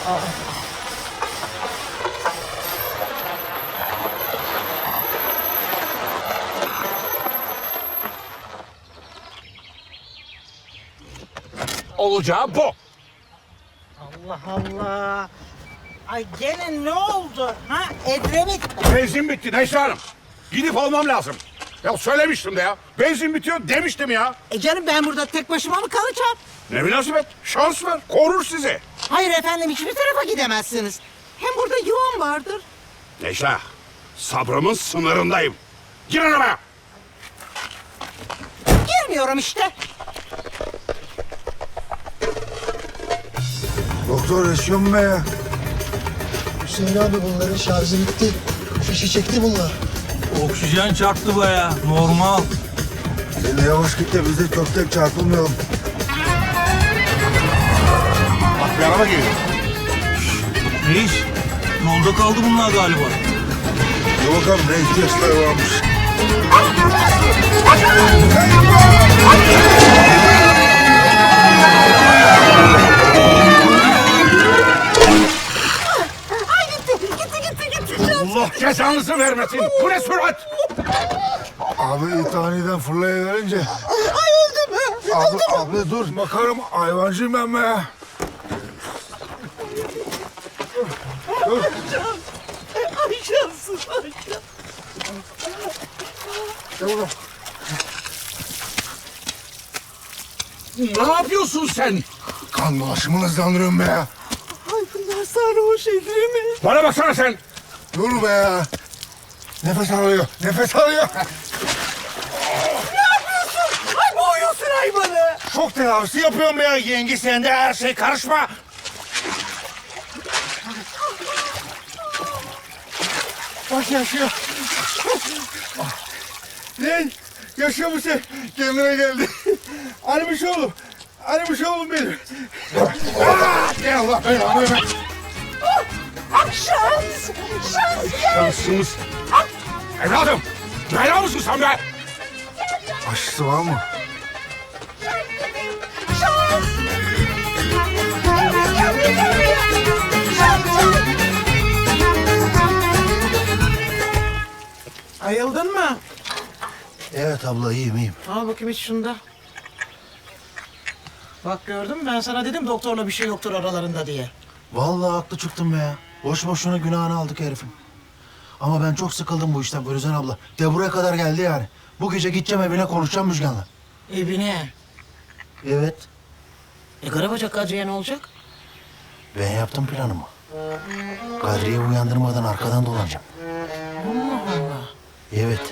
Olacağı bu. Allah Allah. Ay gene ne oldu? Ha Edremit. Benzin bitti Necla Hanım. Gidip almam lazım. Ya söylemiştim de ya. Benzin bitiyor demiştim ya. Canım ben burada tek başıma mı kalacağım? Ne münasebet. Şans var. Korur sizi. Hayır efendim hiçbir tarafa gidemezsiniz. Hem burada yuvam vardır. Necla, sabrımın sınırındayım. Gir arabaya. Girmiyorum işte. Doktor yaşıyor mu be ya? Hüseyin abi bunların şarjı bitti. Fişi çekti bunlar. Oksijen çarptı baya. Normal. Sen de yavaş git de biz de köftek çarpılmayalım. Bak bir araba geliyor. Reis, yolda kaldı bunlar galiba. Dur bakalım ne ihtiyaçları varmış. Allah cezanızı vermesin. Bu ne sürat? Abi ithaneden fırlayıverince. Ay öldüm. Abi dur bakarım hayvancıyım ben be ya. Ay şanssız ay. Ne yapıyorsun sen? Kan dolaşımını hızlandırıyorum be ya. Ay bunlar sarhoş Edremit. Bana baksana sen. Dur be ya. Nefes alıyor, nefes alıyor. Ay boğuyorsun hayvanı. Şok tedavisi yapıyorum be ya. Yenge sen de her şey karışma. Bak yaşıyor. Ne? Yaşıyor musun? Kendine geldi. Alimiş oğlum. Alimiş oğlum benim. Gel Allah belanı ver. Şans. Şansınız. Evladım. Bela mısın sen be? Aşısı var mı? Ayıldın mı? Evet abla iyiyim. Al bakayım hiç şunda. Bak gördün mü ben sana dedim doktorla bir şey yoktur aralarında diye. Vallahi haklı çıktım be ya. Boş boşuna günahını aldık herifin. Ama ben çok sıkıldım bu işten Gülüzen abla. De buraya kadar geldi yani. Bu gece gideceğim evine konuşacağım Müjgan'la. Evine. Evet. Karabacak Kadriye ne olacak? Ben yaptım planımı. Kadriye'yi uyandırmadan arkadan dolanacağım. Allah Allah. Evet.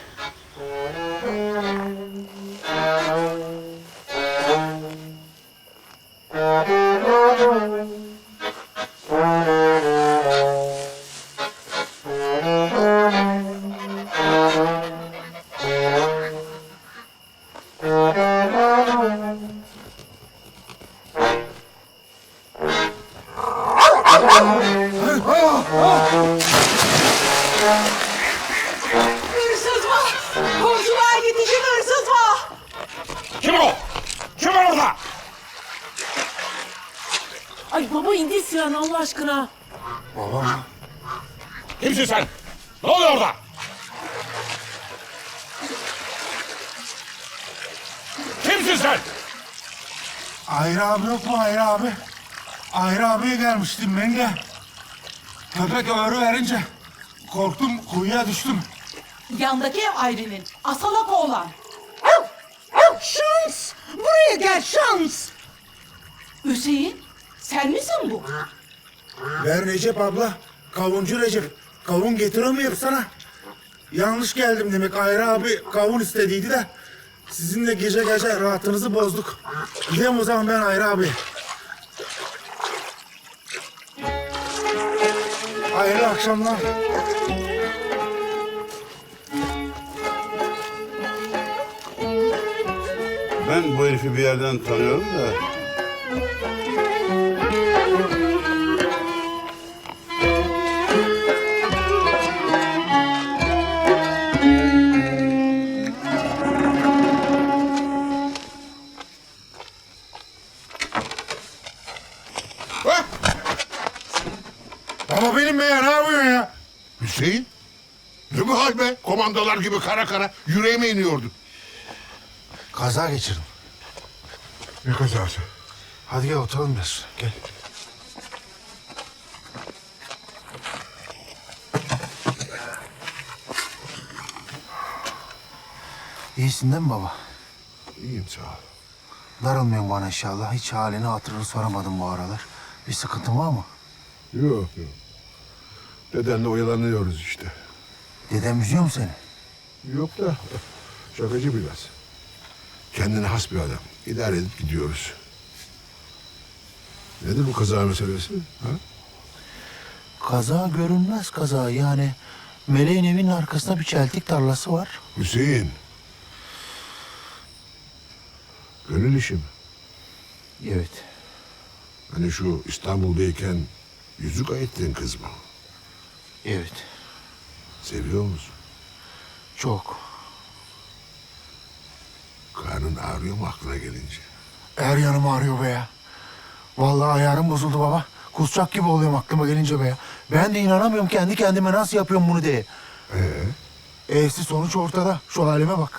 Hırsız var. Komşular yetişin hırsız var. Kim o? Kim var orada? Ay baba indir silahını Allah aşkına. Kimsin sen? Ne oluyor orada? Kimsin sen? Ayrı abi yok mu Ayrı abi? Ayrı abiye gelmiştim ben de. Köpek öğrü verince korktum kuyuya düştüm. Yandaki ev Ayrin'in. Asalak oğlan. Şans. Buraya gel şans. Hüseyin, sen misin bu? Ben Recep abla. Kavuncu Recep. Kavun getiremiyorum sana. Yanlış geldim demek. Ayrı abi kavun istediydi de. Sizinle gece gece rahatınızı bozduk. Gideyim o zaman ben Ayrı abi. Hayırlı akşamlar. Ben bu herifi bir yerden tanıyorum da. Baba benim be ya, ne yapıyorsun ya? Hüseyin? Ne bu hal be? Komandolar gibi kara kara yüreğime iniyordu. Kaza geçirdim. Ne kazası? Hadi gel oturalım biraz. Gel. İyisin değil mi baba? İyiyim sağ ol. Darılmıyorsun bana inşallah. Hiç halini hatırını soramadım bu aralar. Bir sıkıntın var mı? Yok. Dedenle oyalanıyoruz işte. Dedem üzüyor mu seni? Yok da şakacı biraz. Kendine has bir adam. İdare edip gidiyoruz. Nedir bu kaza meselesi? Ha? Kaza görünmez kaza yani. Meleğin evinin arkasında bir çeltik tarlası var. Hüseyin. Gönül işi mi? Evet. Hani şu İstanbul'dayken yüzük ayettiğin kız mı? Evet. Seviyor musun? Çok. Karnın ağrıyor mu aklına gelince? Her yanım ağrıyor be ya. Vallahi ayarım bozuldu baba. Kusacak gibi oluyorum aklıma gelince be ya. Ben de inanamıyorum kendi kendime nasıl yapıyorum bunu diye. Evsiz sonuç ortada. Şu halime bak.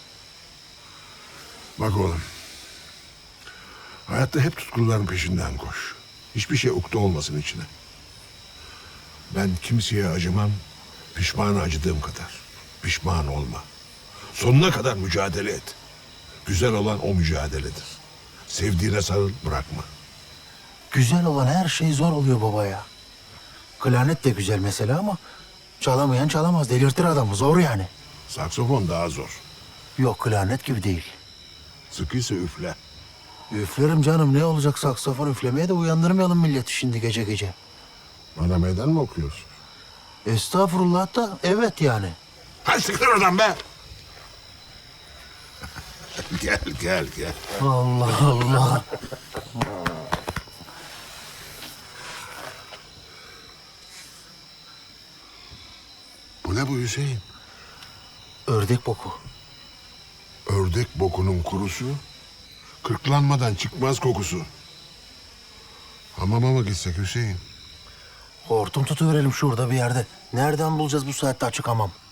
Bak oğlum. Hayatta hep tutkuların peşinden koş. Hiçbir şey ukde olmasın içine. Ben kimseye acımam, pişmanı acıdığım kadar. Pişman olma. Sonuna kadar mücadele et. Güzel olan o mücadeledir. Sevdiğine sarıl, bırakma. Güzel olan her şey zor oluyor baba ya. Klarnet de güzel mesela ama çalamayan çalamaz. Delirtir adamı. Zor yani. Saksofon daha zor. Yok klarnet gibi değil. Sıkıysa üfle. Üflerim canım. Ne olacak saksafon üflemeye de uyandırmayalım milleti şimdi gece gece. Bana meydan mı okuyorsun? Estağfurullah da evet yani. Hadi sıkır oradan be! gel. Allah Allah. Bu ne bu Hüseyin? Ördek boku. Ördek bokunun kurusu, kırklanmadan çıkmaz kokusu. Hamama mı gitsek Hüseyin? Hortum tutuverelim şurada bir yerde. Nereden bulacağız bu saatte açık hamam?